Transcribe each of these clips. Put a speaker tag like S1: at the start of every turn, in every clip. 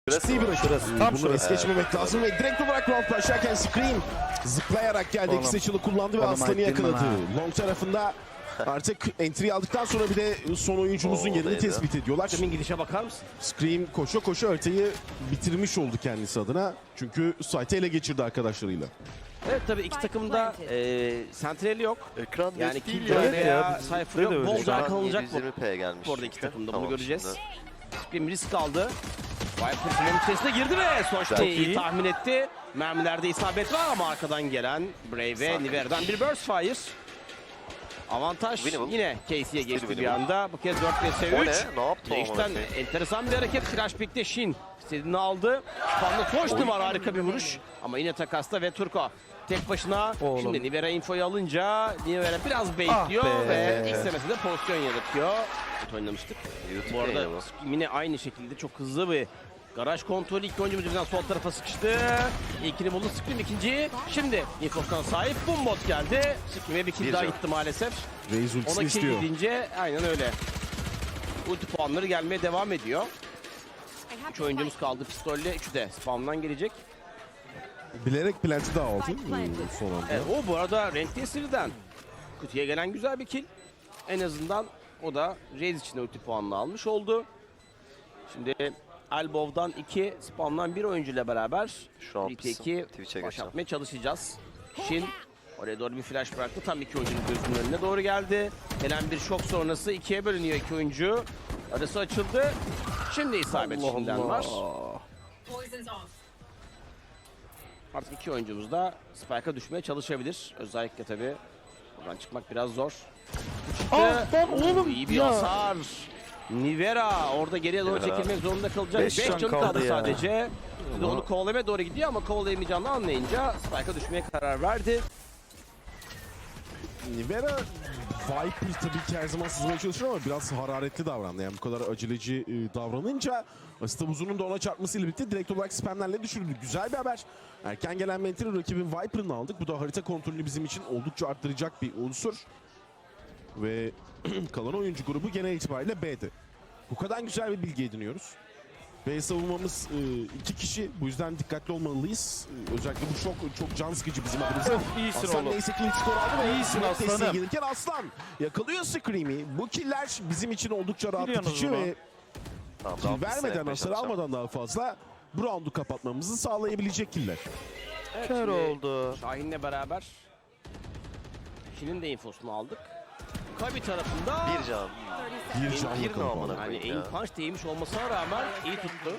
S1: Ciddi bir rakip.
S2: Tam
S1: Bunu es geçmemek lazım ve direkt olarak round başlarken Scream zıplayarak geldi. İki seçili kullandı ve Aslan'ı yakaladı. Long tarafında artık entry aldıktan sonra bir de son oyuncumuzun yerini tespit ediyorlar.
S3: Scream'in gidişe bakar mısın?
S1: Scream koşa koşa haritayı bitirmiş oldu kendisi adına. Çünkü site'ı ele geçirdi arkadaşlarıyla.
S3: Evet tabii iki takımda sentrali yok.
S2: Ekran
S3: Yani
S2: net değil
S3: Killjoy
S2: ya.
S3: veya
S2: Bizde de
S3: Cypher yok.
S2: öyle.
S3: Bol daha kalınacak bu.
S2: 720p gelmiş.
S3: Orada iki
S2: çünkü.
S3: takımda
S2: Tamam,
S3: bunu göreceğiz.
S2: şimdi.
S3: Scream risk aldı. Viper bunun içerisine girdi ve Soç'ta iyi tahmin etti. Mermilerde isabet var ama arkadan gelen Brave ve Nivera'dan bir burst fire. Avantaj yine Casey'ye geçti bir anda. Bu kez 4 vs 3.
S2: O ne? Ne yaptı o
S3: Değişten
S2: amına
S3: enteresan bir hareket. Flash pick'te Shin istediğini aldı. Spam'da Soç'ta var, harika bir vuruş. Ama yine takasta ve Turko tek başına. Şimdi Nivera infoyu alınca Nivera biraz baitliyor ve ilk semesinde pozisyon yaratıyor. Oynamıştık. Bu arada yine aynı şekilde çok hızlı bir garaj kontrolü. İlk oyuncumuz yüzünden sol tarafa sıkıştı. İlkini buldu Scream, ikinciyi. Şimdi infosuna sahip Bombot geldi. Scream'e bir kill daha gitti maalesef.
S1: Reis ultisini
S3: Ona
S1: istiyor.
S3: kill gidince aynen öyle. Ulti puanları gelmeye devam ediyor. 3 oyuncumuz kaldı pistolle. 3'ü de spawn'dan gelecek.
S1: Bilerek plant'i daha aldı son anda.
S3: Evet, o bu arada Rank Tesir'den kutuya gelen güzel bir kill. En azından o da Raze için ulti puanını almış oldu. Şimdi Elbow'dan 2, Spam'dan 1 oyuncuyla beraber
S2: Şu an
S3: RT2
S2: Twitch'e
S3: baş
S2: geçeceğim.
S3: atmaya çalışacağız. Shin oraya doğru bir flash bıraktı. Tam iki oyuncunun gözünün önüne doğru geldi. Gelen bir şok sonrası ikiye bölünüyor iki oyuncu. Arası açıldı. Şimdi isabet Shin'den var. Artık iki oyuncumuz da Spike'a düşmeye çalışabilir. Özellikle tabii buradan çıkmak biraz zor. Çıktı. İyi bir hasar. Nivera orada geriye doğru çekilmek zorunda kalacak. 5 canı kaldı sadece. Bir de onu kovalamaya doğru gidiyor ama kovalayamayacağını anlayınca Spike'a düşmeye karar verdi.
S1: Nivera Viper tabii ki her zaman sızmaya çalışır ama biraz hararetli davrandı. Yani bu kadar aceleci davranınca Astabuzun'un da ona çarpmasıyla birlikte direkt olarak spamlerle düşürdü. Güzel bir haber. Erken gelen mentali rakibin Viper'ını aldık. Bu da harita kontrolünü bizim için oldukça arttıracak bir unsur. Ve kalan oyuncu grubu genel itibariyle B'de. Bu kadar güzel bir bilgi ediniyoruz. B savunmamız 2 kişi. Bu yüzden dikkatli olmalıyız. Özellikle bu şok çok can sıkıcı bizim adımıza.
S2: İyisin
S1: Aslan
S2: oğlum.
S1: neyse ki ilk skor aldı ve
S2: İyisin
S1: desteğe
S2: aslanım.
S1: gelirken Aslan yakalıyor Scream'i. Bu killer bizim için oldukça rahatlatıcı
S2: Biliyorsunuz
S1: ve
S2: Tamam,
S1: kill
S2: round
S1: vermeden,
S2: yapmaya
S1: hasar
S2: çalışacağım.
S1: almadan daha fazla bu roundu kapatmamızı sağlayabilecek killer.
S3: Evet,
S2: Kör
S3: şimdi
S2: oldu.
S3: Şahin'le beraber Shin'in de infosunu aldık. Kabi tarafında
S2: Bir can.
S1: Bir can
S2: Bir
S1: yakaladı.
S2: namına
S3: yani
S2: koyayım
S3: aim
S2: ya.
S3: punch değmiş olmasına rağmen iyi tuttu.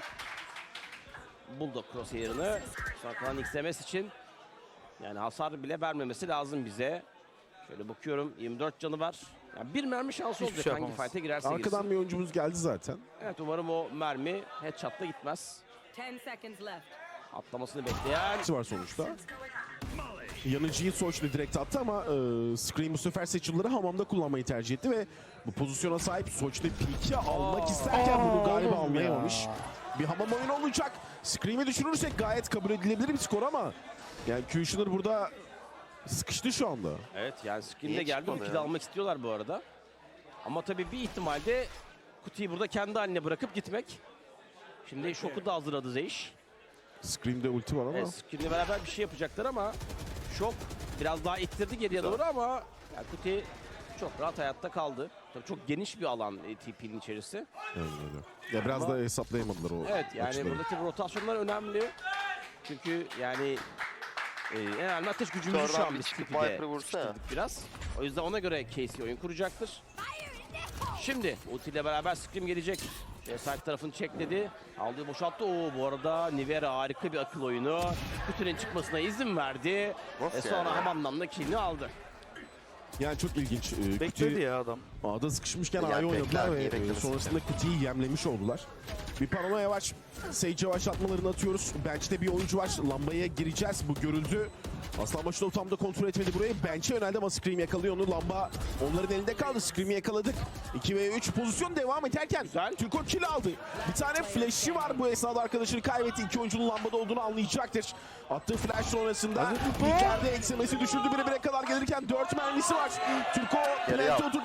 S3: Bulldog crosshair'ını saklanan XMS için yani hasar bile vermemesi lazım bize. Şöyle bakıyorum 24 canı var. Yani bir mermi şansı olacak
S2: şey
S3: hangi
S2: yapamaz.
S3: fight'e girerse
S1: Arkadan
S3: girsin.
S1: bir oyuncumuz geldi zaten.
S3: Evet umarım o mermi headshot'la gitmez.
S4: 10 seconds left.
S3: Atlamasını bekleyen
S1: İkisi var sonuçta. Yanıcıyı Soç'la direkt attı ama Scream bu sefer seçimleri hamamda kullanmayı tercih etti ve bu pozisyona sahip Soç'la peek'i almak isterken bunu galiba anlayamamış. Bir hamam oyunu olacak. Scream'i düşürürsek gayet kabul edilebilir bir skor ama yani Kushner burada sıkıştı şu anda.
S3: evet yani Scream'de
S2: Niye
S3: geldi bu
S2: çıkmadı
S3: kill'i
S2: ya?
S3: almak istiyorlar bu arada. Ama tabii bir ihtimalde kutuyu burada kendi haline bırakıp gitmek. Şimdi şoku da hazırladı Zeish.
S1: Scream'de ulti var ama
S3: Evet, Scream'le beraber bir şey yapacaklar ama şok biraz daha ittirdi geriye doğru ama yani Kuti çok rahat hayatta kaldı. Tabii çok geniş bir alan TP'nin içerisi.
S1: yani öyle. Ya biraz da hesaplayamadılar o
S3: Evet yani
S1: açıları.
S3: buradaki rotasyonlar önemli. Çünkü yani en önemli ateş gücümüzü şu
S2: Oradan
S3: an
S2: bir
S3: biz
S2: çıkıp
S3: TP'de
S2: Viper'ı vursa ya.
S3: sıkıştırdık biraz. O yüzden ona göre Casey oyun kuracaktır. Şimdi ulti ile beraber Scream gelecek. Side tarafını çekledi. Aldığı boşalttı. Oo bu arada Nivera harika bir akıl oyunu. Kutunun çıkmasına izin verdi.
S2: Nasıl
S3: Sonra
S2: yani?
S3: hamamdan da killini aldı.
S1: Yani çok ilginç.
S2: Bekledi ya adam.
S1: A'da sıkışmışken
S2: Yani
S1: A'yı oynadılar
S2: bekler,
S1: ve
S2: niye beklemesin
S1: sonrasında Kuti'yi yemlemiş oldular. Bir paranoya var. Sage yavaşlatmalarını atıyoruz. Bench'te bir oyuncu var. Lambaya gireceğiz. Bu görüldü. Aslan Başı'nda tam da kontrol etmedi burayı. Bench'e yöneldi ama Scream yakalıyor onu. Lamba onların elinde kaldı. Scream'i yakaladık. 2 ve 3 pozisyon devam ederken
S3: Güzel.
S1: Türko kill aldı. Bir tane flash'i var bu esnada arkadaşını kaybetti. İki oyuncunun lambada olduğunu anlayacaktır. Attığı flash sonrasında bir yerde eksemesi düşürdü. 1'e 1'e kadar gelirken 4 mermisi var. Türko plante oturdu bir fake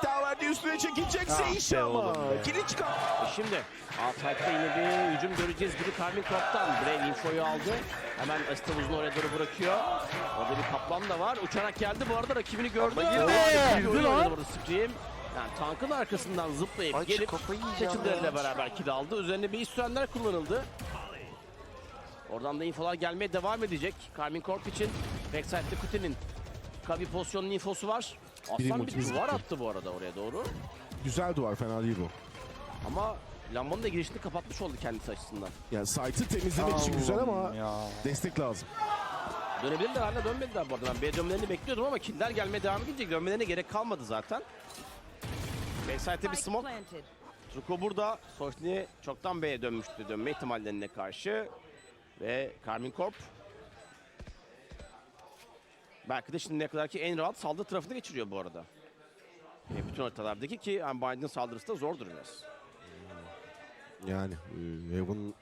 S1: daha verdi. Üstüne çekilecek
S2: Ah
S1: Seishi
S2: be
S1: ama.
S2: oğlum be.
S1: Kili çıkar.
S3: Şimdi Altıay'da yine bir hücum göreceğiz gibi Karmin Korp'tan. Brave infoyu aldı. Hemen Astavuz'un oraya doğru bırakıyor. Orada bir kaplan da var. Uçarak geldi. Bu arada rakibini gördü.
S2: Ama girdi.
S3: Girdi
S2: Girdi lan.
S3: burada Scream. Yani tankın arkasından zıplayıp
S2: Ay,
S3: gelip
S2: kafayı yiyeceğim
S3: seçimleriyle
S2: ya.
S3: beraber kill aldı. Üzerine bir iş sürenler kullanıldı. Oradan da infolar gelmeye devam edecek. Karmin Korp için backside'de Kute'nin Kabi pozisyonunun infosu var.
S1: Biri
S3: Aslan bir
S1: multimiz
S3: duvar
S1: gitti.
S3: attı bu arada oraya doğru.
S1: Güzel duvar, fena değil bu.
S3: Ama lambanın da girişini kapatmış oldu kendisi açısından.
S1: Yani site'ı temizlemek için güzel ama
S2: Ya.
S1: destek lazım.
S3: Dönebilirler, hala dönmediler bu arada. Ben B dönmelerini bekliyordum ama killer gelmeye devam edince dönmelerine gerek kalmadı zaten. Backside'de bir smoke. Truko burada. Soşni çoktan B'ye dönmüştü dönme ihtimallerine karşı. Ve Karmin Korp belki de şimdiye kadarki en rahat saldırı tarafını geçiriyor bu arada. Bütün haritalardaki ki yani Biden'ın saldırısı da zordur biraz.
S1: Yani Heaven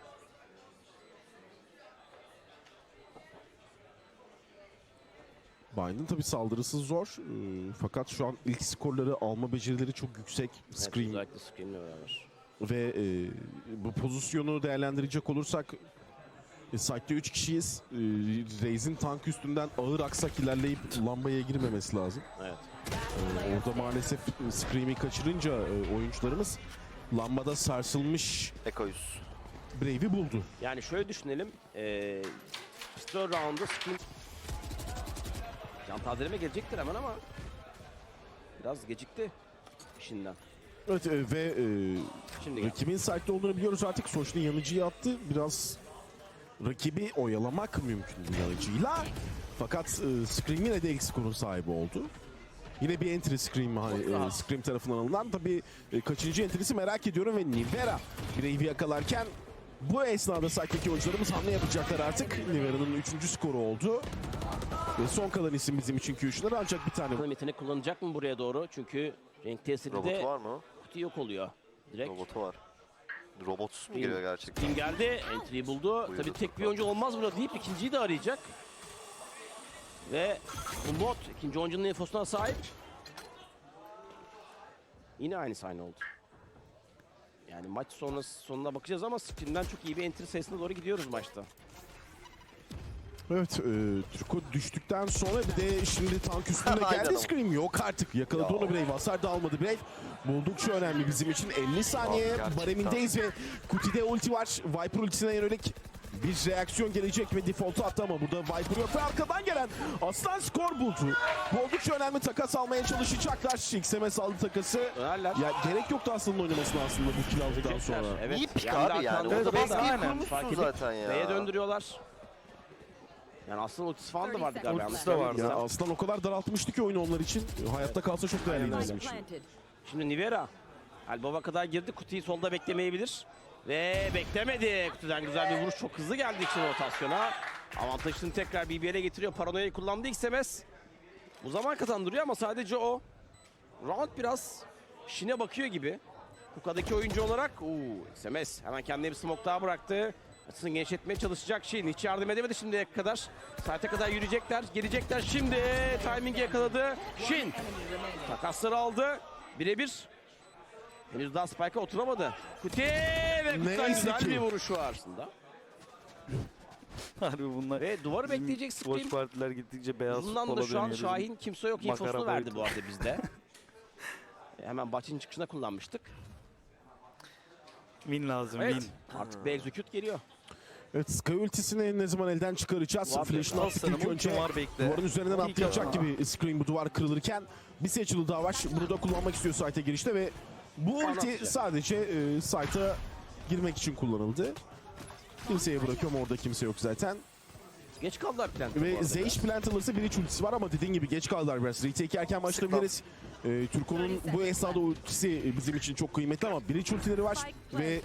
S1: Bind'in tabii saldırısı zor. Fakat şu an ilk skorları alma becerileri çok yüksek.
S3: Evet,
S1: Scream
S3: özellikle Scream'le beraber.
S1: ve bu pozisyonu değerlendirecek olursak site'de 3 kişiyiz. Raze'in tank üstünden ağır aksak ilerleyip lambaya girmemesi lazım.
S3: Evet.
S1: Orada maalesef Scream'i kaçırınca oyuncularımız lambada sarsılmış
S2: Ekoyuz.
S1: Brave'i buldu.
S3: Yani şöyle düşünelim. Pistol round'da Scream can tazeleme gelecektir hemen ama biraz gecikti işinden.
S1: Evet ve
S3: Şimdi gel.
S1: rakibin site'de olduğunu biliyoruz artık. Soşni yanıcıyı attı. Biraz rakibi oyalamak mümkün bu yanıcıyla. Fakat Scream yine de ilk skorun sahibi oldu. Yine bir entry Scream, hani, Scream tarafından alınan. Tabii kaçıncı entry'si merak ediyorum ve Nivera Brave'i yakalarken bu esnada site'deki oyuncularımız hamle yapacaklar artık. Nivera'nın 3. skoru oldu. Ve son kalan isim bizim için Q3'ler ancak bir tane.
S3: Bakalım yetenek kullanacak mı buraya doğru? Çünkü renk tesiri
S2: Robotu
S3: de
S2: var mı?
S3: kutu yok oluyor. Direkt.
S2: Robotu var. Robotsuz mu geliyor gerçekten?
S3: Kim geldi? Entry'yi buldu.
S2: Buyurdu
S3: Tabii tek bir
S2: Furkan.
S3: oyuncu olmaz burada deyip ikinciyi de arayacak. Ve Umbot ikinci oyuncunun infosuna sahip. Yine aynı sahne oldu. Yani maç sonuna bakacağız ama Scream'den çok iyi bir entry sayısına doğru gidiyoruz maçta.
S1: Evet, Turko düştükten sonra bir de şimdi tank üstünde
S2: Aynen
S1: geldi
S2: ama.
S1: Scream. Yok artık. Yakaladı
S2: Ya.
S1: onu Brave. Hasar da almadı Brave. Buldukça önemli bizim için. 50 saniye
S2: Gerçekten.
S1: baremindeyiz ve Kuti'de ulti var. Viper ultisine yönelik bir reaksiyon gelecek ve default'u attı ama burada Viper yok ve arkadan gelen Aslan skor buldu. Bu oldukça önemli, takas almaya çalışacaklar. XMS aldı takası.
S3: Dönerler.
S1: Ya gerek yoktu Aslan'ın oynamasına aslında bu kill aldıktan sonra.
S3: Evet.
S2: İyi pik
S3: Yani
S2: abi yani.
S3: arkanda
S2: Orada
S3: da
S2: baskıyı
S3: aynen.
S2: kurmuşsun
S3: Fark edip
S2: zaten ya.
S3: B'ye döndürüyorlar. Yani aslında ultisi falan da vardı galiba.
S2: Ultisi de vardı.
S1: Ya Aslan o kadar daraltmıştı ki oyunu onlar için. Hayatta kalsa çok değerliydi
S3: Aynen
S1: bizim
S3: öyle.
S1: için.
S3: Şimdi Nivera Albova kadar girdi. Kutuyu solda beklemeyebilir. Ve beklemedi. Kutudan güzel bir vuruş. Çok hızlı geldi için rotasyona. Avantajını tekrar BBL'e getiriyor. Paranoya'yı kullandı XMS. Bu zaman kazandırıyor ama sadece o. Round biraz Shin'e bakıyor gibi. Kuka'daki oyuncu olarak. XMS hemen kendine bir smoke daha bıraktı. Açısını genişletmeye çalışacak Shin. Hiç yardım edemedi şimdiye kadar. Saate kadar yürüyecekler. Gelecekler şimdi. Timing'i yakaladı. Shin takasları aldı. Birebir. Henüz daha Spike'a oturamadı. Kuti ve Kut'tan
S1: Neyse
S3: güzel
S1: ki.
S3: bir vuruş var aslında.
S2: Harbi bunlar.
S3: Ve duvarı bekleyecek Scream.
S2: Boş partiler gittikçe beyaz
S3: Uzundan da
S2: futbola
S3: şu an
S2: dönüyoruz.
S3: Şahin kimse yok
S2: Makara
S3: infosunu verdi
S2: boyutu.
S3: bu arada bizde. Hemen bahçenin çıkışına kullanmıştık.
S2: Min lazım
S3: Evet.
S2: min.
S3: Artık bir execute geliyor.
S1: Evet, Sky ultisini ne zaman elden çıkaracağız?
S3: Var
S1: Flash'ını
S2: ya,
S1: attık
S2: aslanım,
S1: ilk önce.
S2: ultim var, bekle.
S1: Duvarın üzerinden
S2: İyi
S1: atlayacak
S2: ki-
S1: gibi Scream bu duvar kırılırken bir seçili daha var. Bunu da kullanmak istiyor site'e girişte ve bu ulti
S3: Anlatacak.
S1: sadece site'a girmek için kullanıldı. Kimseye bırakıyorum, orada kimse yok zaten.
S3: Geç kaldılar plant'ta bu
S1: Ve
S3: arada.
S1: Zeish plant alırsa bir iç ultisi var ama dediğin gibi geç kaldılar biraz. Retake erken başlayabiliriz. Turko'nun bu esnada ultisi bizim için çok kıymetli ama bir iç ultileri var ve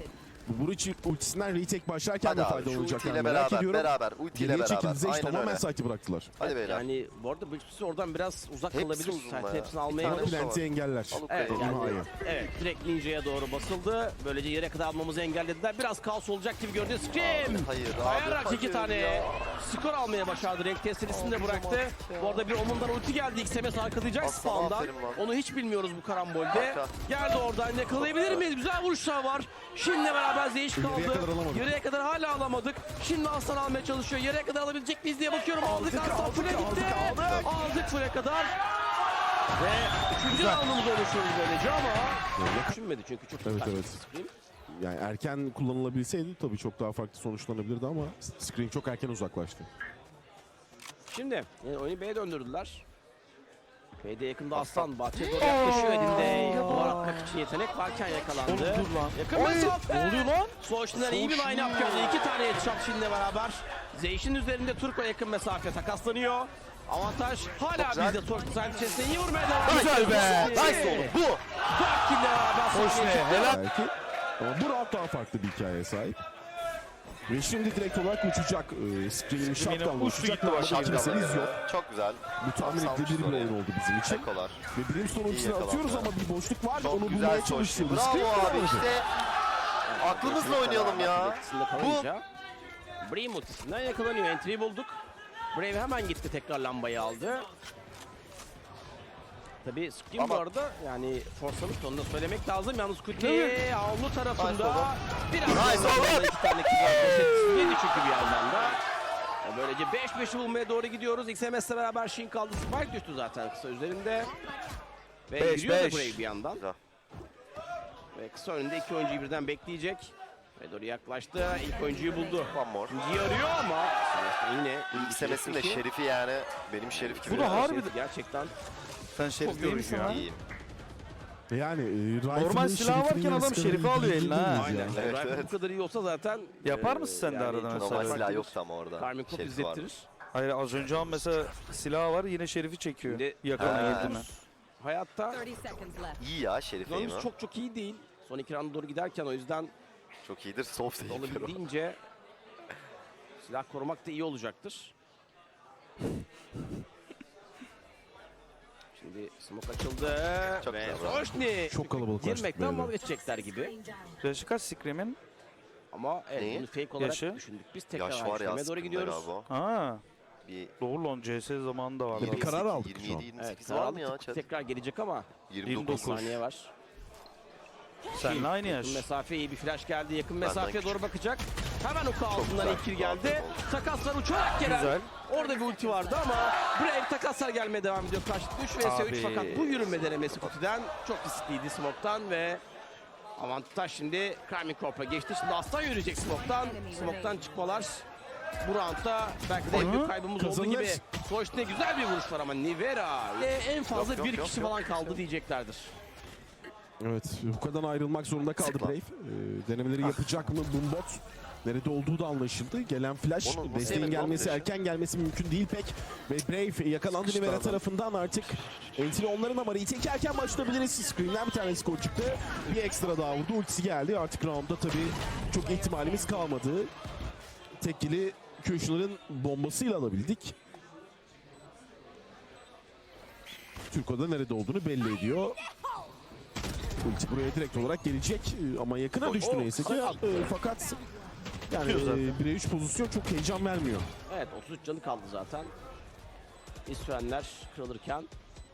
S1: Bu Buric ultisinden retake başlarken
S2: Hadi
S1: de
S2: abi şu
S1: faydalanacaklar.
S2: ultiyle
S1: Merak ediyorum.
S2: beraber. Ultiyle
S1: Geriye çekildi.
S2: beraber.
S1: Zeyş
S2: Aynen
S1: tamamen
S2: öyle.
S1: site'i bıraktılar.
S2: Hadi beyler.
S3: Yani bu arada Bridgeps'i oradan biraz uzak
S2: Hepsi
S3: kalabilir.
S2: uzun
S3: Site
S2: bayağı.
S3: hepsini
S2: Bir
S3: almaya
S2: tane
S3: çalışıyor.
S1: Plant'i engeller.
S3: Evet,
S2: Alucard'ı.
S3: yani,
S1: İmha'yı.
S3: evet, direkt Ninja'ya doğru basıldı. Böylece yere kadar almamızı engellediler. Biraz kaos olacak gibi görünüyor. Scream!
S2: Hayır abi.
S3: Kayarak iki
S2: hayır
S3: tane
S2: ya.
S3: skor almaya başardı. Renk testirisini de bıraktı. Bu arada bir Omun'dan ulti geldi. XMS arkalayacak
S2: Aslan,
S3: spawn'dan.
S2: aferin lan.
S3: Onu hiç bilmiyoruz bu karambolde.
S2: Arka.
S3: Geldi oradan, yakalayabilir miyiz? Güzel vuruşlar var. Şimdi beraber Zeyş kaldı.
S1: Geriye kadar alamadık.
S3: Geriye kadar hala alamadık. Şimdi Aslan almaya çalışıyor. Yere kadar alabilecek miyiz diye bakıyorum. Aldık Aslan full'e gitti. Aldık full'e kadar. Ve üçüncü roundumuza oluşuyoruz böylece ama düşünmedi çünkü çok
S1: Evet,
S3: dikkatli
S1: evet.
S3: Scream.
S1: Yani erken kullanılabilseydi tabii çok daha farklı sonuçlanabilirdi ama Scream çok erken uzaklaştı.
S3: Şimdi oyunu B'ye döndürdüler. B'de yakında Aslan bahçeye doğru yaklaşıyor. Elinde duvar atmak için yetenek varken yakalandı.
S4: Oğlum dur lan.
S3: Yakın mesafe.
S4: Ne oluyor lan?
S3: Soğuş'tan iyi bir line-up geldi. İki tane headshot şimdi beraber. Zeyş'in üzerinde Turko yakın mesafe takaslanıyor. Avantaj hala
S2: güzel.
S3: bizde. Soğuş'un sahip içerisinde iyi vurmaya devam ediyor.
S4: Güzel be.
S3: Nice
S4: oğlum.
S2: Bu.
S3: 4 kill'le beraber
S4: Hoş
S3: sahneye
S4: ne?
S3: çıktı.
S4: Helal.
S1: Belki. Ama bu round daha farklı bir hikayeye sahip. Ve şimdi direkt olarak uçacak. Scream'in shotgun'la
S4: uçtu
S1: uçacak.
S4: gitti
S1: Ama
S4: başa.
S1: kimseniz yok.
S2: Çok güzel.
S1: Bu tahmin
S2: Salmış
S1: edilebilir bir
S2: oraya.
S1: oyun oldu bizim için.
S2: Ekolar.
S1: Ve Brimstone ultisini
S2: yakalandı.
S1: atıyoruz ama bir boşluk var.
S2: Çok
S1: Onu
S2: güzel
S1: bulmaya
S2: Soşni.
S1: çalışıyoruz.
S2: Bravo
S1: Scream
S2: abi
S1: bulamadı.
S2: işte. Aklımızla oynayalım ya.
S3: Etkisinde kalınca Brave ultisinden yakalanıyor. Entry'yi bulduk. Brave hemen gitti, tekrar lambayı aldı. Tabii Scream bu
S2: Ama-
S3: arada yani forsalık, onu da söylemek lazım. Yalnız Kuti
S2: Değil
S3: avlu
S2: Nice
S3: tarafında
S2: oğlum.
S3: biraz
S2: Nice
S3: daha
S2: oğlum.
S3: iki tane kill var. Yedi çünkü bir yandan da. Böylece 5-5'i bulmaya doğru gidiyoruz. XMS'le beraber Shin kaldı. Spike düştü zaten kısa üzerinde. Ve
S4: 5-5.
S3: yürüyor da Brave bir yandan.
S2: Güzel.
S3: Ve kısa önünde iki oyuncuyu birden bekleyecek. Ve doğru yaklaştı. İlk oyuncuyu buldu.
S2: One more.
S3: İkinciyi arıyor ama yine
S2: İlgisemesinin de şerifi yani. Benim şerif gibi.
S4: Bu da harbi-
S3: gerçekten
S4: Sen şerif
S3: Çok iyiymiş
S4: görürsün
S3: ya.
S4: ha.
S2: İyiyim.
S1: Yani
S4: Normal silah varken adam şerifi alıyor eline ha.
S3: aynen.
S2: Evet,
S3: Rifle
S2: evet.
S3: bu kadar iyi olsa zaten
S4: Yapar mısın sen de arada
S3: çok
S4: mesela?
S2: Normal
S3: farklı
S2: silah
S3: bir
S2: yoktu ama orada.
S3: Karmin Kop
S2: Şerifi vardı.
S3: izlettirir.
S4: Hayır az önce an mesela silah var yine şerifi çekiyor.
S3: Şimdi
S4: Yakına
S2: Ha.
S4: girdi mi?
S3: Hayatta
S5: 30 seconds left.
S2: İyi ya şerif
S3: yolumuz
S2: aim'i.
S3: çok iyi değil. Son iki rounda doğru giderken o yüzden
S2: Çok iyidir. Soft aim.
S3: olabildiğince silah korumak da iyi olacaktır. Şimdi smoke açıldı
S2: Çok
S3: ve
S2: güzel.
S3: Soşni
S1: Çok kalabalıklaştık
S3: girmekten
S1: böyle.
S3: vazgeçecekler gibi.
S4: Yaşı kaç Scream'in?
S3: Ama evet,
S2: Neyi?
S3: bunu fake olarak
S4: Yaşı?
S3: düşündük. Biz tekrar
S2: Yaş
S3: aynı
S2: var ya
S3: işleme doğru
S2: sıkıntı
S3: gidiyoruz.
S2: galiba.
S4: Ha.
S2: Bir
S4: Doğru lan CS zamanında vardı.
S1: Bir karar aldık şu an.
S2: 27-28
S3: Evet,
S2: var mı ya?
S3: aldık.
S2: Chat?
S3: Tekrar gelecek ama
S2: 29.
S3: saniye var.
S4: Seninle aynı yaş.
S3: Yakın mesafe, iyi bir flash geldi. Yakın
S2: Benden
S3: mesafeye doğru
S2: küçük.
S3: bakacak. Hemen oku altından
S2: güzel.
S3: ilk kill geldi.
S2: Aferin oldu.
S3: Takaslar uçarak gelen.
S4: Güzel.
S3: Orada bir ulti vardı ama Brave takaslar gelmeye devam ediyor. Karşılıklı 3 vs 3
S4: Abi.
S3: fakat bu yürüme denemesi Kuti'den çok riskliydi smoke'tan ve avantaj şimdi Karmin Corp'a geçti. Şimdi Aslan yürüyecek smoke'tan. Smoke'tan çıkmalar. Bu roundda belki de en büyük kaybımız olduğu
S1: Kazanır.
S3: gibi. Soğuş'ta güzel bir vuruş var ama Nivera en fazla
S2: Yok, yok,
S3: bir
S2: yok,
S3: kişi
S2: yok.
S3: falan kaldı diyeceklerdir.
S1: Evet, Huka'dan ayrılmak zorunda kaldı
S2: Sıkla.
S1: Brave. Denemeleri yapacak mı Boombot? Nerede olduğu da anlaşıldı. Gelen flash,
S2: Onu nasıl
S1: desteğin
S2: yemedi lan
S1: gelmesi,
S2: flash'ı?
S1: erken gelmesi mümkün değil pek. Ve Brave yakalandı
S2: Sıkıştı
S1: Nivera
S2: adam.
S1: tarafından artık. Entry onların ama retake erken başlayabiliriz. Screen'den bir tane skor çıktı. Bir ekstra daha vurdu, ultisi geldi. Artık roundda tabii çok ihtimalimiz kalmadı. Tekili Köşner'ın bombasıyla alabildik. Türko'da nerede olduğunu belli ediyor. Ulti buraya direkt olarak gelecek ama yakına düştü neyse ki. Fakat yani
S4: Çıkıyor zaten.
S1: 1'e 3 pozisyon çok heyecan vermiyor.
S3: Evet 33 canı kaldı zaten. İsfenler kırılırken.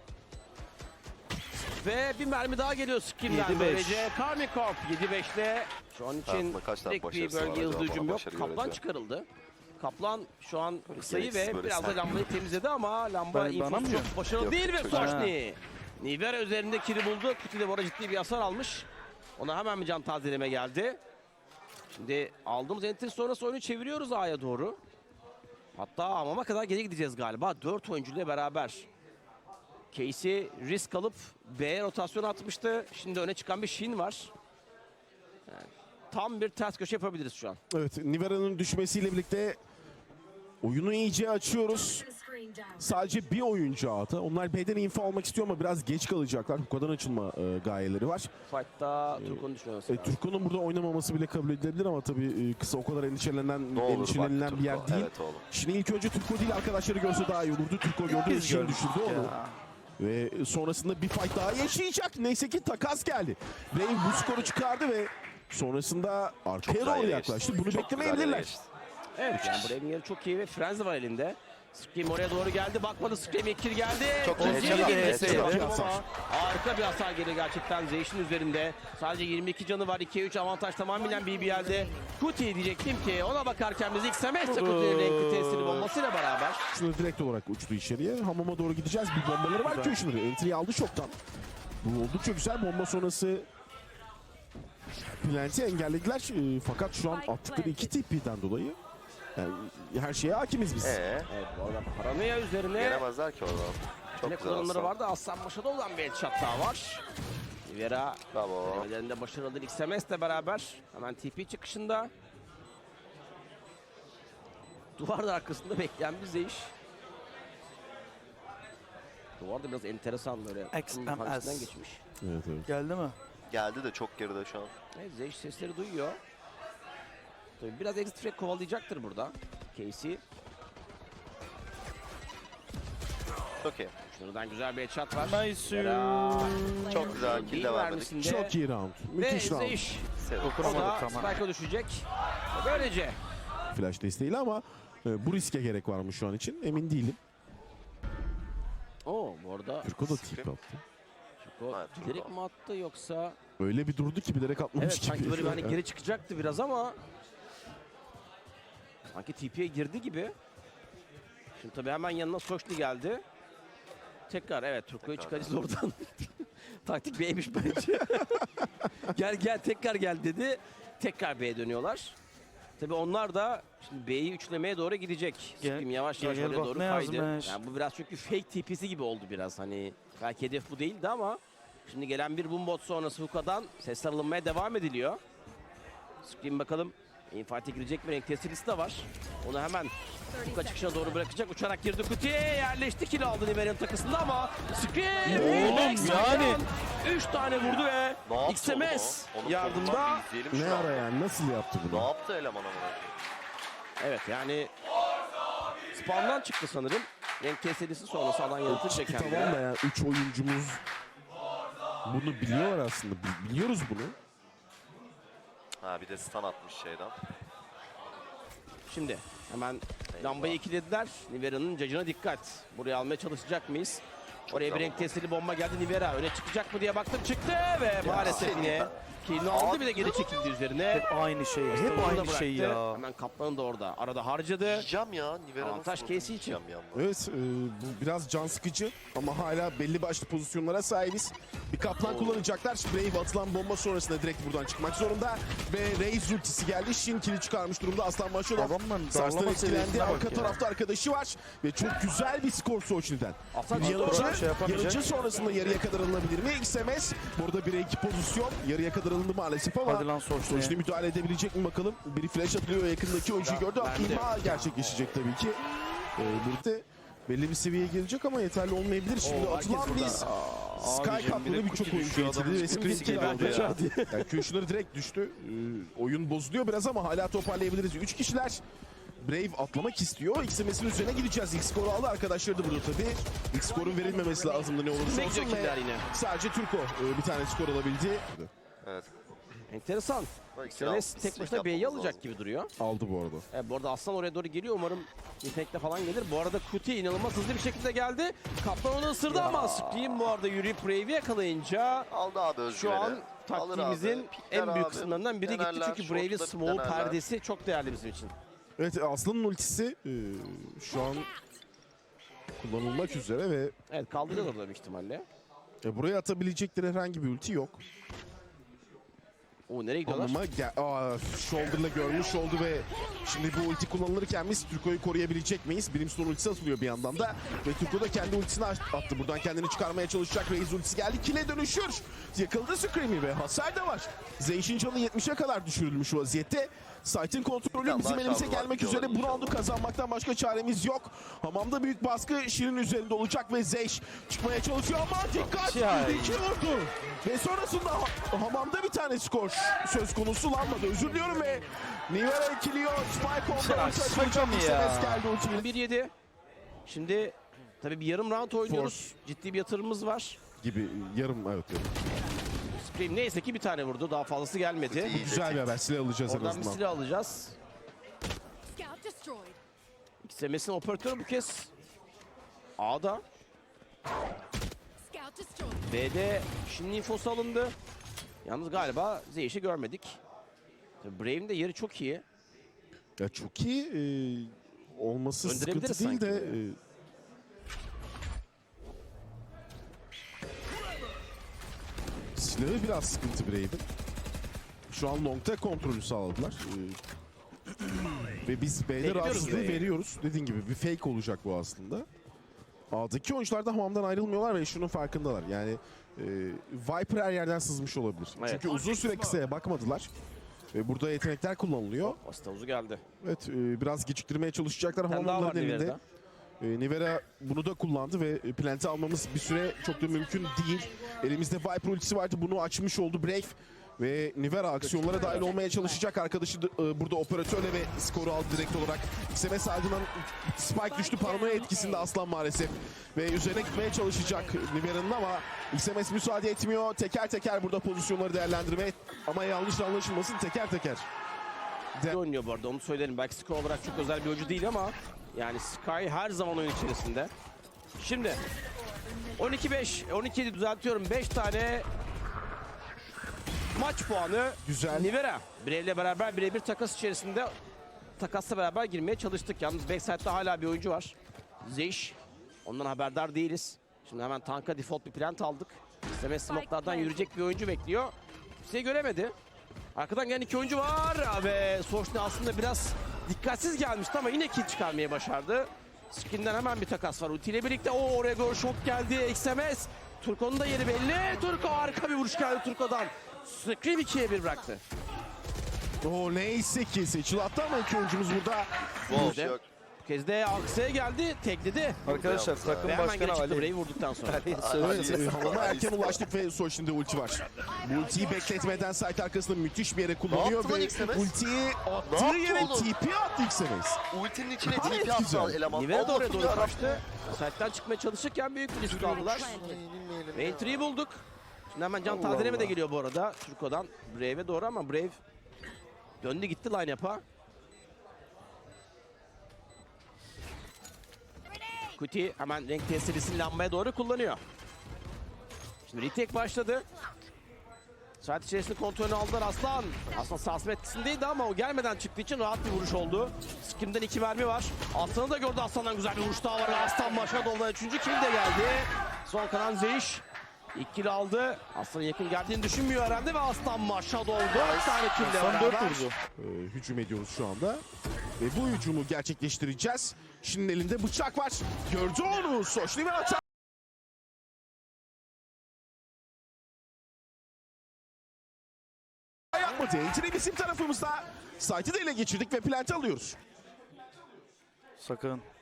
S3: Ve bir mermi daha geliyor Skim'den
S4: 7-5.
S3: böylece. Karmin Corp 7-5'te. Şu an için
S2: Hayatında kaç tane
S3: tek bir
S2: başarısı var
S3: bölge
S2: acaba?
S3: hızlı hücum
S2: Bana
S3: yok.
S2: başarı
S3: Kaplan
S2: göreceğim.
S3: çıkarıldı. Kaplan şu an kısayı
S2: gereksiz
S3: ve
S2: böyle
S3: biraz da
S2: sert.
S3: lambayı temizledi ama lamba
S4: Bana
S3: infosu
S4: mı?
S3: çok başarılı
S2: Yok,
S3: değil ve
S2: çok-
S3: Soşni. Nivera üzerinde kiri buldu. Kuti de bu arada ciddi bir hasar almış. Ona hemen bir can tazeleme geldi. Şimdi aldığımız entry sonrası oyunu çeviriyoruz A'ya doğru. Hatta Amam'a kadar geri gideceğiz galiba. 4 oyuncuyla beraber. Casey risk alıp B'ye rotasyon atmıştı. Şimdi öne çıkan bir Shin var. Yani tam bir ters köşe yapabiliriz şu an.
S1: Evet, Nivera'nın düşmesiyle birlikte oyunu iyice açıyoruz. sadece bir oyuncu A'da. Onlar B'den info almak istiyor ama biraz geç kalacaklar. Bu kadar açılma gayeleri var.
S3: Fight'ta Turko'nun düşünmesi lazım.
S1: Turko'nun burada oynamaması bile kabul edilebilir ama tabii kısa o kadar endişelenen
S2: Ne olur bak
S1: endişelenilen bir yer
S2: Turko.
S1: değil.
S2: Evet oğlum.
S1: Şimdi ilk önce Turko değil arkadaşları görse daha iyi olurdu. Turko gördü ve
S4: Biz
S1: içeri
S4: görmüştük
S1: düşürdü onu.
S4: ya.
S1: Ve sonrasında bir fight daha yaşayacak. Neyse ki takas geldi. Brave bu skoru çıkardı ve sonrasında arkaya
S2: güzel
S1: doğru
S2: yere
S1: yaklaştı.
S2: geçti.
S1: Bunu
S2: Çok güzel yere
S1: beklemeyebilirler.
S2: geçti.
S3: Evet yani Brave'in yeri çok iyi ve Frenzy var elinde. Scream oraya doğru geldi. Bakmadı Scream ekir geldi.
S2: Çok
S3: Kutu'ya
S2: güzel,
S3: girdi.
S2: headshot,
S3: Çok
S1: headshot.
S3: iyi ama harika bir hasar geliyor gerçekten Zeyş'in üzerinde. Sadece 22 canı var. 2'ye 3 avantaj tamamen BBL'de. Kuti diyecektim ki ona bakarken biz ilk semestre Kuti'nin renkli tesiri bombasıyla beraber.
S1: Şunu direkt olarak uçtu içeriye. Hamama doğru gideceğiz. Bir bombaları var ki şunu. Entry'yi aldı şoktan. Bu oldukça güzel. Bomba sonrası Plant'i engellediler. Fakat şu an attıkları 2 TP'den dolayı yani her şeye hakimiz biz.
S3: Evet bu arada paranoya üzerine
S2: Yenemezler ki oradan. Çok
S3: ne
S2: güzel
S3: kullanımları
S2: Aslan.
S3: vardı. Aslan Maşa'da olan bir headshot daha var. Rivera
S2: Bravo.
S3: denemelerinde başarılı ilk semestle beraber hemen TP çıkışında. Duvar da arkasında bekleyen bir Zeyş. Duvar da biraz enteresan böyle.
S4: XMS.
S3: Karşısından geçmiş.
S1: Evet, evet.
S4: Geldi mi?
S2: Geldi de çok geride şu an.
S3: Evet, Zeyş sesleri duyuyor. Tabii biraz exit frag kovalayacaktır burada. Casey.
S2: Çok iyi.
S3: Şuradan güzel bir headshot var.
S4: Nice.
S3: Rivera.
S2: Çok güzel kill
S3: Değil
S2: de vermedik.
S3: mermisinde.
S1: Çok iyi round.
S3: Ve
S1: Müthiş round.
S3: Zeyş.
S2: Sevdim.
S3: O da
S4: Dokunamadık ama.
S3: Spike'a düşecek. Ve böylece
S1: Flash desteğiyle ama bu riske gerek var mı şu an için emin değilim.
S3: o bu arada
S1: Turko da tip attı.
S3: o
S2: Evet,
S3: direkt
S2: Turko.
S3: mi attı yoksa
S1: Öyle bir durdu ki bilerek atmamış
S3: evet
S1: gibi.
S3: sanki böyle bir hani geri çıkacaktı biraz ama sanki TP'ye girdi gibi. Şimdi tabii hemen yanına Soşli geldi. Tekrar evet Turko'yu
S2: Tekrar.
S3: çıkarız oradan. Taktik B'ymiş bence. gel tekrar gel dedi. Tekrar B'ye dönüyorlar. Tabii onlar da şimdi B'yi üçlemeye doğru gidecek.
S4: Gel-
S3: Scream yavaş yavaş
S4: gel
S3: oraya
S4: bak
S3: doğru
S4: ne
S3: kaydı.
S4: yazmış.
S3: Yani bu biraz çünkü fake TP'si gibi oldu biraz hani. Belki hedef bu değildi ama şimdi gelen bir bombot sonrası Huka'dan sesler alınmaya devam ediliyor. Scream bakalım infarte girecek mi? Renk testi de var. Onu hemen Huka çıkışına doğru bırakacak. Uçarak girdi kutuya yerleşti. Kill aldı Niver'in takısında ama Scream
S4: Oğlum, yani.
S3: 3 tane vurdu ve
S2: Ne yaptı
S3: XMS
S2: oğlum o? Onu
S3: yardımda.
S2: korkmaz, izleyelim
S1: Ne
S2: şu an.
S1: ara yani nasıl yaptı
S2: Ne
S1: bunu?
S2: yaptı eleman ama?
S3: Evet yani spawn'dan çıktı sanırım. Renk kesilisi sonrası alan yaratınca
S1: Tamam
S3: kendine.
S1: da yani 3 oyuncumuz bunu biliyorlar aslında. Biliyoruz bunu.
S2: Ha bir de stun atmış şeyden.
S3: Şimdi hemen lambayı ikilediler. Nivera'nın cacına dikkat. Buraya almaya çalışacak mıyız? Oraya bir
S2: güzel
S3: renk
S2: bomba.
S3: testili bomba geldi Nivera. Öne çıkacak mı diye baktım çıktı ve maalesef
S2: seni
S3: yine
S2: ya.
S3: killini aldı bir de geri çekildi üzerine.
S4: Hep aynı şey. Hep
S3: Savunma da
S4: aynı şey
S3: bıraktı.
S4: ya.
S3: Hemen Kaplan'ı da orada arada harcadı.
S2: Yiyeceğim ya. Nivera
S3: Avantaj
S2: nasıl
S3: Casey için.
S2: yiyeceğim bir anda.
S1: Evet bu biraz can sıkıcı ama hala belli başlı pozisyonlara sahibiz. Bir kaplan kullanacaklar. Brave atılan bomba sonrasında direkt buradan çıkmak zorunda. Ve Raze ultisi geldi. Shin kill'i çıkarmış durumda. Aslan Maşadov
S4: Adamın
S1: Sars'tan
S4: darlama
S1: etkilendi.
S4: seviyesine bak
S1: Arka
S4: ya.
S1: tarafta arkadaşı var. Ve çok güzel bir skor Soçni'den.
S3: Aslan
S1: Bir
S3: Maşadov
S1: yanıcı,
S4: şey yapamayacak.
S1: yanıcı sonrasında yarıya kadar alınabilir mi? XMS burada 1'e 2 pozisyon. Yarıya kadar alındı maalesef ama
S4: Hadi lan Soçni.
S1: Soçni müdahale edebilecek mi bakalım. Biri flash atılıyor. Yakındaki oyuncuyu gördü.
S3: Ben de.
S1: İmha gerçekleşecek tabii ki. Birlikte belli bir seviyeye gelecek ama yeterli olmayabilir. Şimdi
S3: Oo, herkes
S1: atılan
S3: burada.
S1: biz
S4: Abicim,
S1: Sky
S4: bir de
S1: Cup'lı birçok
S4: Kuti
S1: oyuncu
S4: düşüyor,
S1: getirdi
S4: adamın
S1: ve
S4: üstüne
S1: Scream
S4: sikeyim
S1: aldı.
S4: oldu ya.
S1: Yani Q'şuları direkt düştü. Oyun bozuluyor biraz ama hala toparlayabiliriz. 3 kişiler. Brave atlamak istiyor. XMS'in üzerine gideceğiz. İlk skoru aldı arkadaşları da burada tabii. İlk skorun verilmemesi lazımdı ne olursa
S3: Ne
S1: olsun.
S3: gidiyor killer
S1: Ve
S3: yine.
S1: sadece Turko bir tane skor alabildi.
S2: Evet.
S3: Enteresan.
S2: Bak,
S3: Senes tek başına
S2: yapmamız
S3: B'yi alacak
S2: lazım.
S3: gibi duruyor.
S1: Aldı bu arada.
S3: Bu arada Aslan oraya doğru geliyor. Umarım yetenekle falan gelir. Bu arada Kuti inanılmaz hızlı bir şekilde geldi. Kaplan onu ısırdı ama Scream bu arada yürüyüp Brave'i yakalayınca
S2: Aldı abi özgüveni.
S3: şu an
S2: Alır
S3: taktiğimizin
S2: abi, pikler
S3: en büyük
S2: abi,
S3: kısımlarından biri gitti.
S2: denerler,
S3: Çünkü Brave'in
S2: short'ta
S3: smoke
S2: denerler.
S3: perdesi çok değerli bizim için.
S1: Evet Aslan'ın ultisi şu an kullanılmak üzere ve
S3: Evet kaldıracağız orada büyük ihtimalle.
S1: buraya atabilecekleri herhangi bir ulti yok.
S3: O nereye gidiyorlar?
S1: Ama shoulder'la görmüş oldu ve şimdi bu ulti kullanılırken biz Turko'yu koruyabilecek miyiz? Brimstone ultisi atılıyor bir yandan da ve Turko da kendi ultisini attı. Buradan kendini çıkarmaya çalışacak. Raze ultisi geldi. Kill'e dönüşür. Yakıldı Screamy ve hasar da var. Zeyş'in canı 70'e kadar düşürülmüş vaziyette. Site'in kontrolü bizim elimize gelmek üzere. Bu roundu kazanmaktan başka çaremiz yok. Hamamda büyük baskı Şirin üzerinde olacak ve Zeyş çıkmaya çalışıyor ama dikkat! İki vurdu. Ve sonrasında hamamda bir tane skor söz konusu lanmadı. Özür diliyorum ve Nivera ikiliyor. Spike ondan açılacak. SMS geldi ultiyle.
S3: 1-7. Şimdi tabii bir yarım round oynuyoruz. Ciddi bir yatırımımız var.
S1: Gibi yarım evet.
S3: Scream neyse ki bir tane vurdu. Daha fazlası gelmedi.
S1: Güzel bir haber. Silah alacağız en
S3: Oradan bir
S1: azından.
S3: silah alacağız.
S5: Scout destroyed.
S3: XMS'in operatörü bu kez A'da.
S5: Scout destroyed.
S3: B'de Shin'in infosu alındı. Yalnız galiba Zeyş'i görmedik. Tabii Brave'in de yeri çok iyi.
S1: Ya çok iyi olması
S3: Öldürebiliriz
S1: sıkıntı değil
S3: sanki.
S1: de silahı biraz sıkıntı Brave'in. Şu an long'ta kontrolü sağladılar. Ve biz B'de
S3: Bekliyoruz
S1: rahatsızlığı
S3: B'yi.
S1: veriyoruz. Dediğin gibi bir fake olacak bu aslında. A'daki oyuncular da hamamdan ayrılmıyorlar ve şunun farkındalar. Yani Viper her yerden sızmış olabilir.
S3: Evet.
S1: Çünkü uzun süre kısaya bakmadılar. Ve burada yetenekler kullanılıyor.
S3: Basit havuzu geldi.
S1: Evet biraz geciktirmeye çalışacaklar
S3: Bir tane daha var
S1: hamamların elinde.
S3: Nivera'da.
S1: Nivera bunu da kullandı ve plant'i almamız bir süre çok da mümkün değil. Elimizde Viper ultisi vardı, bunu açmış oldu Brave. Ve Nivera aksiyonlara dahil olmaya çalışacak. Arkadaşı burada operatörle ve skoru aldı direkt olarak. XMS ardından Spike düştü, paranoya etkisinde Aslan maalesef. Ve üzerine gitmeye çalışacak Nivera'nın ama XMS müsaade etmiyor. Teker teker burada pozisyonları değerlendirmeye ama yanlış anlaşılmasın teker teker.
S3: İyi oynuyor bu arada, onu söylerim. Belki skor olarak çok özel bir oyuncu değil ama yani Sky her zaman oyun içerisinde. Şimdi 12-5, 12-7 düzeltiyorum. 5 tane maç puanı.
S1: Güzel.
S3: Nivera Brave'le beraber birebir takas içerisinde, takasla beraber girmeye çalıştık. Yalnız backside'da hala bir oyuncu var. Zeyş. Ondan haberdar değiliz. Şimdi hemen tanka default bir plant aldık. İsteme smoke'lardan yürüyecek bir oyuncu bekliyor. Kimseyi göremedi. Arkadan gelen iki oyuncu var ve Soşne aslında biraz dikkatsiz gelmişti ama yine kill çıkarmayı başardı. Skin'den hemen bir takas var. Ulti ile birlikte oraya doğru şok geldi. XMS. Turko'nun da yeri belli. Turko harika bir vuruş geldi Turko'dan. Scream 2'ye 1 bıraktı.
S1: O neyse ki seçil attı ama iki oyuncumuz burada.
S3: Wow.
S2: Yok.
S3: Bu kez de Aksa'ya geldi. Tekledi.
S4: Arkadaşlar takım
S3: Ve hemen geri
S4: başkanı
S3: çıktı
S4: Ali.
S3: Brave'i vurduktan sonra.
S1: Evet, hamama erken ulaştık ve Soşin'de ulti var. Bu ultiyi bekletmeden site arkasında müthiş bir yere kullanıyor
S2: yaptı lan
S1: ve
S2: XMS?
S1: ultiyi
S2: Ne
S1: attığı
S2: yaptı
S1: yere
S2: oğlum?
S1: TP attı XMS.
S2: Ultinin içine
S1: Gayet
S2: TP
S1: güzel.
S2: attı eleman.
S3: Nivera da oraya
S2: Allah'ım
S3: doğru
S2: yarabbim.
S3: kaçtı. Site'den çıkmaya çalışırken büyük bir risk aldılar. Entry'yi bulduk. Şimdi hemen can tazeleme de geliyor bu arada Turko'dan Brave'e doğru ama Brave döndü gitti line-up'a. Kuti hemen renk testirisini lambaya doğru kullanıyor. Şimdi retake başladı. Saat içerisinde kontrolünü aldılar Aslan. Aslan sarsma etkisindeydi ama o gelmeden çıktığı için rahat bir vuruş oldu. Skim'den 2 mermi var. Aslan'ı da gördü. Aslan'dan güzel bir vuruş daha var. Aslan başa doldan 3. kill de geldi. Son kalan Zeyş. İlk kill aldı. Aslan'ın yakın geldiğini düşünmüyor herhalde ve Aslan maşa doldu. 4 tane kill de
S4: Son 4
S3: beraber.
S4: vurdu.
S1: Hücum ediyoruz şu anda. Ve bu hücumu gerçekleştireceğiz. Şimdi elinde bıçak var. Gördü onu. Soşni ve atar. Yapmadı. Entry bizim tarafımızda. Site'ı da ele geçirdik ve plant alıyoruz.
S4: Sakın.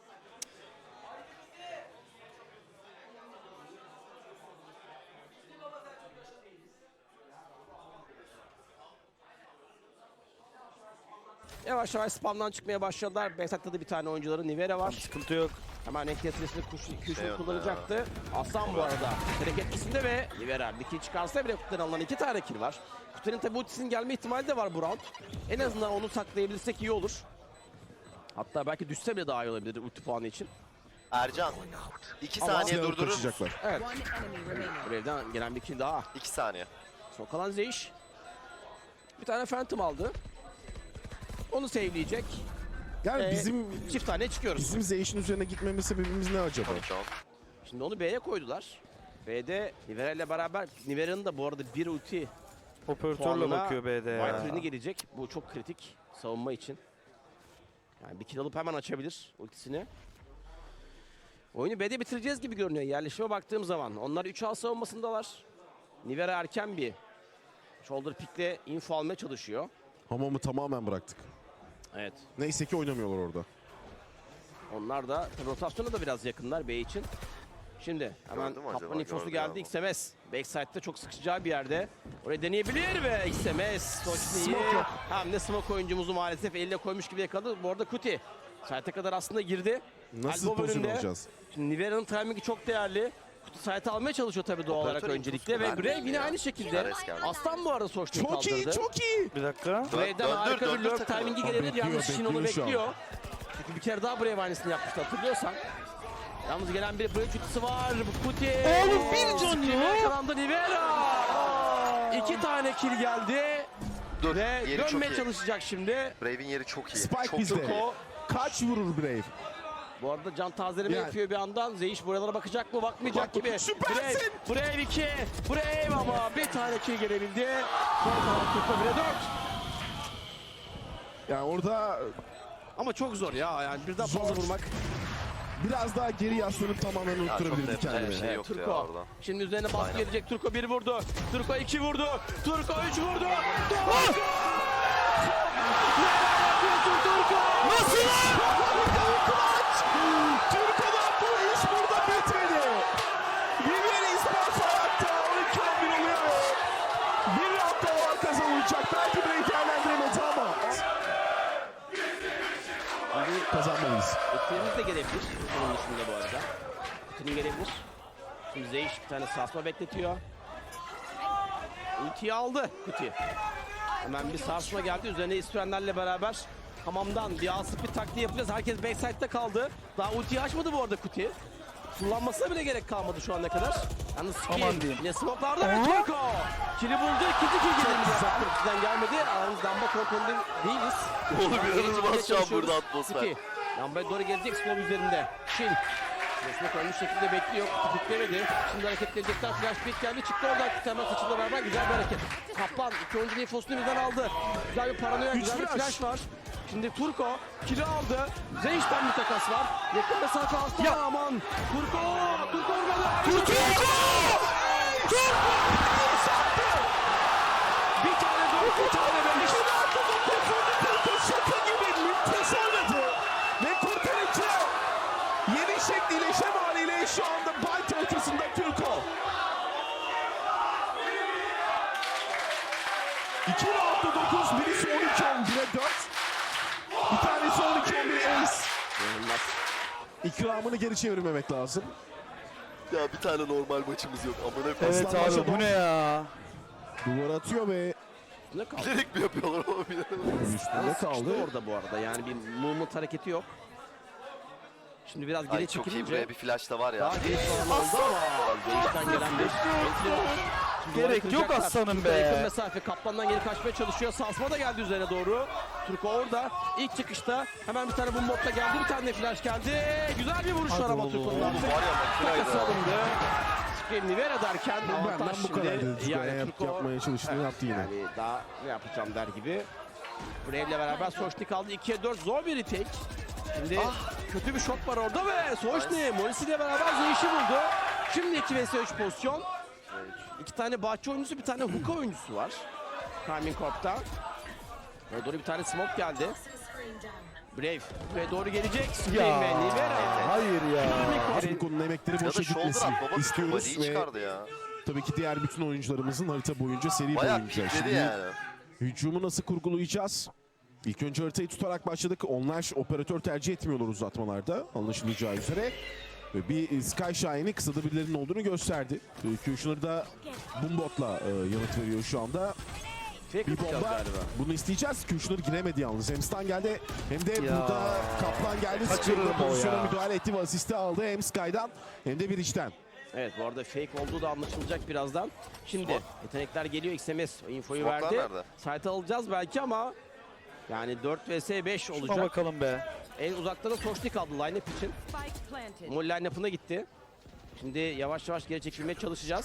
S3: Yavaş yavaş spamdan çıkmaya başladılar. Backside'da da bir tane oyuncuları Nivera var.
S4: Sıkıntı yok.
S3: Hemen renk testresini Kuşun
S2: yok
S3: kullanacaktı. Aslan bu arada direkt etkisinde ve Nivera bir kill çıkarsa bile Kutu'dan alınan 2 tane kill var. Kutu'nun tabi ultisinin gelme ihtimali de var bu round. En azından onu saklayabilirsek iyi olur. Hatta belki düşse bile daha iyi olabilir ulti puanı için.
S2: Ercan. 2
S3: Ama
S2: saniye
S1: Silahı
S2: durdurur.
S1: kaçacaklar.
S3: Evet.
S5: One enemy remaining.
S3: Brave'den gelen bir kill daha.
S2: 2 saniye.
S3: Son kalan Zeyş. Bir tane Phantom aldı. Onu save'leyecek.
S1: Yani bizim
S3: Çift tane çıkıyoruz.
S1: bizim Zeyş'in üzerine gitmeme sebebimiz ne acaba?
S2: Tamam.
S3: Şimdi onu B'ye koydular. B'de Nivera ile beraber, Nivera'nın da bu arada bir ulti
S4: Operatörle
S3: puanına
S4: bakıyor B'de ya.
S3: Viper'ini gelecek. Bu çok kritik savunma için. Yani bir kill alıp hemen açabilir ultisini. Oyunu B'de bitireceğiz gibi görünüyor yerleşime baktığım zaman. Onlar 3A savunmasındalar. Nivera erken bir shoulder pick'le info almaya çalışıyor.
S1: Hamamı tamamen bıraktık.
S3: Evet.
S1: Neyse ki oynamıyorlar orada.
S3: Onlar da tabii rotasyona da biraz yakınlar B için. Şimdi hemen
S2: Gördü mü acaba?
S3: Kaplan infosu
S2: Gördü
S3: geldi.
S2: ya
S3: XMS. Backside'de çok sıkışacağı bir yerde. Oraya deneyebilir ve XMS Soçni'yi
S1: Smoke yok.
S3: hem de smoke oyuncumuzu maalesef elle koymuş gibi yakaladı. Bu arada Kuti site'e kadar aslında girdi.
S1: Nasıl
S3: Elbow
S1: pozisyon
S3: önünde.
S1: alacağız?
S3: Şimdi Nivera'nın timingi çok değerli. Kutu site'e almaya çalışıyor tabii doğal olarak
S2: Operatör
S3: öncelikle.
S2: infosu
S3: Ve
S2: vermiyor
S3: Brave yine
S2: ya.
S3: aynı şekilde.
S2: Ares geldi.
S3: Aslan bu arada Soçni'yi
S1: Çok iyi,
S3: kaldırdı.
S1: çok iyi.
S4: Bir dakika.
S3: Brave'den harika bir
S2: döndür
S3: lurk
S2: takımı.
S3: timingi gelebilir.
S1: Bekliyor,
S3: Yalnız Shin onu
S1: bekliyor şu an.
S3: bekliyor. Çünkü bir kere daha Brave aynısını yapmıştı hatırlıyorsan. Yalnız gelen bir Brave şutusu var. Bu Kuti.
S4: Oğlum bir can ya.
S3: Yakalandı Nivera. 2 tane kill geldi.
S2: Dur,
S3: Ve
S2: yeri çok
S3: dönmeye
S2: iyi.
S3: çalışacak şimdi.
S2: Brave'in yeri çok iyi.
S1: Spike
S2: çok
S1: bizde.
S3: Turko.
S1: Kaç vurur Brave?
S3: Bu arada can tazeleme
S1: Yani-
S3: yapıyor bir yandan. Zeyiş buralara bakacak mı? Bakmayacak
S1: Bak,
S3: gibi.
S1: süpersin.
S3: Brave 2. Brave ama bir tane kill gelebildi. Son kalan Turko 1'e 4.
S1: Yani orada
S3: Ama çok zor ya. Yani birden
S1: Zor.
S3: fazla vurmak.
S1: biraz daha geri yaslanıp tamamen
S2: Ya çok
S1: unutturabilirdi
S2: da yapacak
S1: kendini.
S2: bir şey
S3: Evet,
S2: yoktu ya
S3: Turko.
S2: orada.
S3: Şimdi üzerine baskı
S2: Aynen.
S3: gelecek. Turko 1 vurdu. Turko 2 vurdu. Turko 3 vurdu. Turko! Turko!
S1: Nasıl? Türkiye'den bu iş burada bitmedi. Riviera İspanyol hayatta 12-11 oluyor. Bir hafta var kazanılacak. Belki Brave değerlendiremedi ama. Kazanmalıyız.
S3: Etkilerimiz de gelebilir. Bunun dışında bu arada. Kutu'nun gelebilir. Şimdi Zeyiş bir tane sarsma bekletiyor. Ultiyi aldı Kuti. Hemen bir sarsma geldi. Üzerine İstürenlerle beraber hamamdan bir asıp bir taktiği yapacağız. Herkes backside'de kaldı. Daha ultiyi açmadı bu arada Kuti. Kullanmasına bile gerek kalmadı şu ana kadar. Yalnız
S4: Aman
S3: kill.
S4: diyeyim.
S3: Yine smoke'larda ve Turko. Kill'i buldu. İkinci kill geldi. Bizden gelmedi. Aramız lamba kontrolünde değiliz.
S2: Oğlum
S3: Lambaya
S2: inanılmaz şu an
S3: çalışıyoruz.
S2: burada atmosfer.
S3: Kuti. Lambaya doğru gelecek Smoke üzerinde. Shin. Resme koymuş şekilde bekliyor. Tutuklemedi. Şimdi hareketlenecekler. Flash pick geldi. Çıktı oradan. Hemen saçıyla beraber güzel bir hareket. Kaplan iki oyuncunun infosunu birden aldı. Güzel bir paranoya,
S1: Üç
S3: güzel bir
S1: flash.
S3: flash var. Şimdi Turko kilo aldı. Zeyş'ten bir takas var. Yakın mesafe Aslan aman. Turko! Turko vurmadı. Turko! Bir tane dört, bir tane beş.
S1: Şaka gibi müthiş oynadı. Ve kurtarıcı. Yeni şekliyle şemaliyle şu anda Byte ortasında Türko. 2 roundda 9, birisi 12-11'e 4. Bir tanesi 12-11 ace.
S3: İnanılmaz.
S1: İkramını geri çevirmemek lazım.
S2: Ya bir tane normal maçımız yok. Amına
S4: Evet
S2: koyayım.
S1: Aslan
S4: abi
S1: başa
S4: bu
S1: dön.
S4: ne ya?
S1: Duvar atıyor ve
S3: Ne kaldı?
S2: Bilerek mi yapıyorlar ama bilemedim.
S1: üstünde
S3: Sıkıştı
S1: kaldı.
S3: orada bu arada. Yani bir movement hareketi yok. Şimdi biraz geri
S2: Ay çok iyi
S3: çekilince
S2: buraya bir flash da var ya.
S3: daha geniş falan oldu ama Zeyş'ten gelen bir entry var. Şimdi
S4: Gerek
S3: duvarı
S4: yok
S3: kıracaklar.
S4: aslanım
S3: Turko
S4: be.
S3: Yakın mesafe Kaplan'dan geri kaçmaya çalışıyor. Sarsma da geldi üzerine doğru. Turko orada. İlk çıkışta hemen bir tane bu modla geldi. Bir tane de flash geldi. Güzel bir vuruş var ama Turko'nun
S2: Oğlum var ya
S3: takası
S2: makinaydı.
S3: alındı. Scream Nivera derken avantaj
S1: Benden bu kadar dedi.
S3: şimdi.
S1: Yani yapmaya çalıştığını yaptı yine.
S3: Yani daha ne yapacağım der gibi. Brave'le beraber Soçni kaldı. 2'ye 4 zor bir retake. Şimdi kötü bir şok var orada ve Soçni Morris ile beraber Zeyş'i buldu. Şimdi 2 vs 3 pozisyon. İki tane bahçe oyuncusu, bir tane hookah oyuncusu var. Carmine Corp'ta. Ve doğru bir tane smoke geldi. Brave ve doğru gelecek. Scream ve Nivera.
S4: Hayır ya.
S1: Afriko'nun emekleri
S2: Ya
S1: boşa
S2: da shoulder
S1: gitmesin
S2: at baba.
S1: istiyoruz
S2: Body'yi
S1: ve
S2: çıkardı ya.
S1: tabii ki diğer bütün oyuncularımızın harita boyunca seri
S2: Bayağı
S1: boyunca.
S2: pikledi
S1: Şimdi
S2: yani.
S1: hücumu nasıl kurgulayacağız? İlk önce haritayı tutarak başladık. Onlar operatör tercih etmiyorlar uzatmalarda anlaşılacağı üzere. Ve bir Sky Shine'i kısada birilerinin olduğunu gösterdi. Kushner da Boombot'la yanıt veriyor şu anda.
S3: Fake
S1: Bir
S3: atacağız
S1: bomba.
S3: galiba.
S1: Bunu isteyeceğiz. Kushner giremedi yalnız. Hem stun geldi hem de
S4: Ya.
S1: burada Kaplan geldi.
S4: Kaçırırım
S1: Scream'de
S4: o
S1: pozisyona
S4: ya.
S1: müdahale etti ve asisti aldı. Hem Sky'dan hem de bir içten.
S3: Evet bu arada fake olduğu da anlaşılacak birazdan. Şimdi
S2: Smoke.
S3: yetenekler geliyor. XMS o infoyu
S2: Smoke'lar
S3: verdi.
S2: nerede?
S3: Site alacağız belki ama yani 4 vs 5
S4: Şuna
S3: olacak.
S4: bakalım be.
S3: En uzakta da Soçni kaldı line-up için.
S5: Spike planted.
S3: Mol line-up'ına gitti. Şimdi yavaş yavaş geri çekilmeye çalışacağız.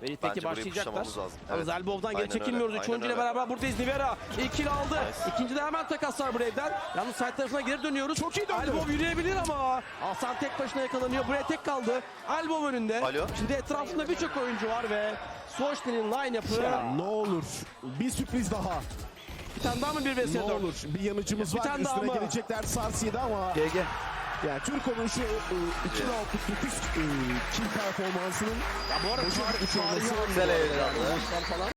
S3: Verit'teki
S2: Bence burayı
S3: başlayacaklar.
S2: pushamamız lazım.
S3: Ama
S2: Evet.
S3: Zelbov'dan geri
S2: Aynen
S3: çekilmiyoruz.
S2: öyle,
S3: 3 oyuncuyla
S2: aynen öyle.
S3: beraber buradayız. Nivera ikili aldı.
S2: Nice.
S3: İkincide hemen takaslar Brave'den. Yalnız side tarafına geri dönüyoruz.
S1: Çok iyi döndü.
S3: Elbow yürüyebilir ama Hasan tek başına yakalanıyor. Buraya tek kaldı. Elbow önünde.
S2: Alo.
S3: Şimdi etrafında birçok oyuncu var ve Soştin'in line-up'ı.
S1: Ne olur bir sürpriz daha.
S3: Bir tane daha mı 1 vs 4?
S1: Ne olur bir yanıcımız
S3: Bir
S1: var.
S3: tane daha
S1: Üstüne
S3: mı?
S1: gelecekler Sarsi'de ama
S4: GG.
S1: yani Türko'nun şu 2 roundluk 9 kill performansının
S3: Ya bu arada
S1: boşa gitmiş olması
S3: tarihi
S4: Güzel eğlendi.
S3: falan.